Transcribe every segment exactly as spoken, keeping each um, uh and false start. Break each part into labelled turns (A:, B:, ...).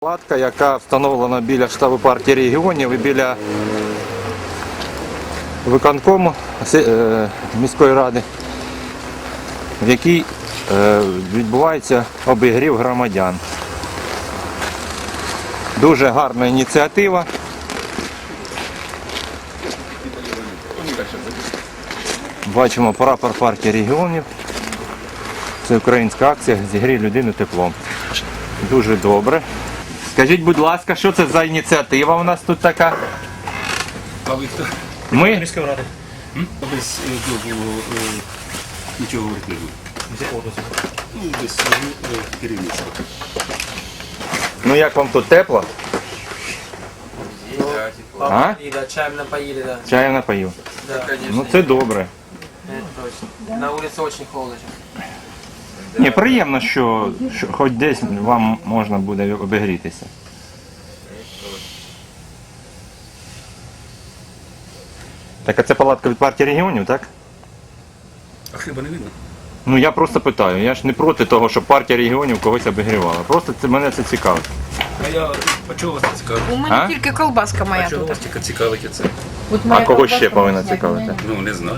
A: Палатка, яка встановлена біля штабу партії регіонів і біля виконкому міської ради, в якій відбувається обігрів громадян. Дуже гарна ініціатива. Бачимо прапор партії регіонів. Це українська акція «Зігрій людину теплом». Дуже добре. Скажіть, будь ласка, що це за ініціатива у нас тут така?
B: А ви хто?
A: Ми?
B: Міської ради. Без дозволу нічого говорити не буде. З якого дозволу? Ну, без керівництва.
A: Ну як вам тут тепло? А?
C: Да, чаем напоили, да.
A: Чаєм напоїв?
C: Да, конечно.
A: Ну це добре.
C: Это точно. На улице очень холодно.
A: Ні, приємно, що, що хоч десь вам можна буде обігрітися. Так, а це палатка від партії регіонів, так?
B: А хліба не видно?
A: Ну я просто питаю, я ж не проти того, щоб партія регіонів когось обігрівала. Просто це, мене це цікавить.
B: А я, а чого вас це цікавить?
D: У мене
A: А?
D: тільки колбаска моя
B: А чого
D: тут.
B: вас тільки цікавить це?
A: А кого ще повинна цікавити?
B: Ну, не знаю.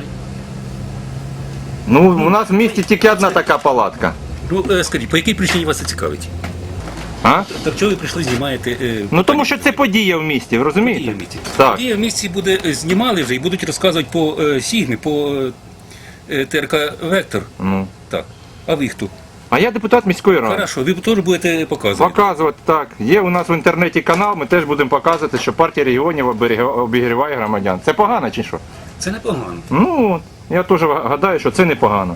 A: Ну, у нас в місті тільки одна така палатка.
B: Ну, е, скажіть, по якій причині вас це цікавить?
A: А?
B: Так чого ви прийшли знімаєте? Е,
A: Ну тому що це подія в місті, ви розумієте?
B: події в місті?
A: Так.
B: Події в місті буде е, знімали вже і будуть розказувати по е, Сігмі, по е, ТРК Вектор.
A: Ну.
B: Так. А ви хто?
A: А я депутат міської ради.
B: Хорошо, ви теж будете показувати.
A: Показувати, так. Є у нас в інтернеті канал, ми теж будемо показувати, що партія регіонів оберіг- обігріває громадян. Це погано чи що?
B: Це непогано.
A: Ну, я теж гадаю, що це непогано.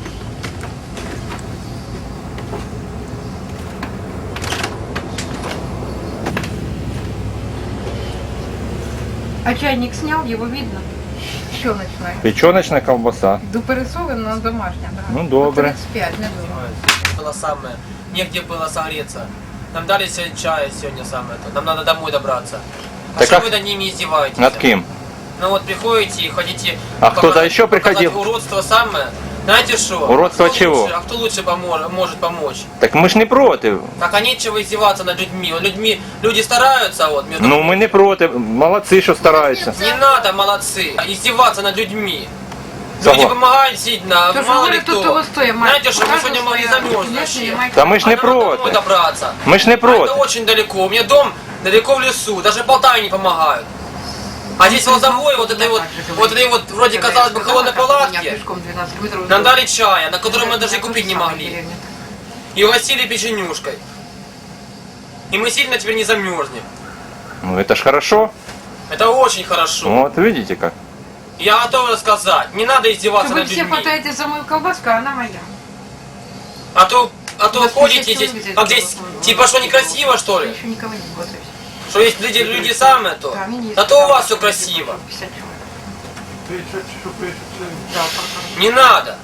D: А чайник снял, его видно? Печёночная.
A: Печоночна ковбаса.
D: Допересована, но домашняя. Да.
A: Ну, добре.
D: тридцать пять, не думаю.
C: Было самое. Негде было согреться. Нам дали сегодня чая сегодня самое то. Нам надо домой добраться. А
A: Так
C: что
A: а-
C: вы над ними издеваетесь?
A: Над кем?
C: Ну вот приходите и хотите...
A: А кто-то еще
C: показать
A: приходил?
C: уродство самое. Знаете что?
A: Уродство
C: А кто
A: чего?
C: лучше- а кто лучше поможет, может помочь?
A: Так ми ж не проти.
C: Так а нечего издеваться над людьми. Вот людьми люди стараются вот между...
A: Ну ми не проти. Молодці, що стараються.
C: Не надо, молодцы, издеваться над людьми.
A: Кого?
C: Люди помогают сильно,
D: То, что
C: мало ли
D: говорят,
C: кто.
D: кто того стоит, мать.
C: Знаете, что мы
D: Покажут
C: сегодня могли
D: свои
C: замерзнуть
D: внешние
C: вообще.
D: майки.
A: Та ми ж не
C: А нам надо домой
A: проти.
C: добраться.
A: Ми ж не
C: А
A: проти.
C: это очень далеко. У меня дом далеко в лесу, даже в Полтаве не помогают. А здесь волзовой, вот этой вот, вот этой вот, вроде казалось бы, холодной палатки, нам дали чая, на который мы даже купить не могли. И угостили печенюшкой. И мы сильно теперь не замерзнем.
A: Ну это ж хорошо.
C: Это очень хорошо.
A: Вот видите как.
C: Я готов рассказать. Не надо издеваться
D: Вы
C: над
D: все
C: людьми.
D: хватаете за мою колбаску, а она моя.
C: А то, а то
D: У вас
C: ходите
D: пятьдесят
C: здесь,
D: человек здесь
C: как здесь,
D: было.
C: типа, что некрасиво, что ли?
D: Еще никого не было. то есть.
C: Что есть люди, люди самые то?
D: Да, мне не
C: А то у вас все красиво.
D: пятьдесят человек. Да, пока.
C: Не надо.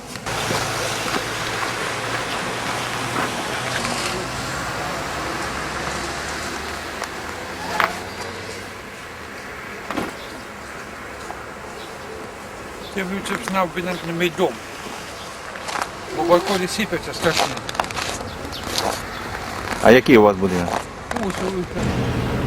E: Я б лучше б знав би на на мій дом. Бо балкони сипляться страшно.
A: А який у вас будинок?
E: Ось, ось.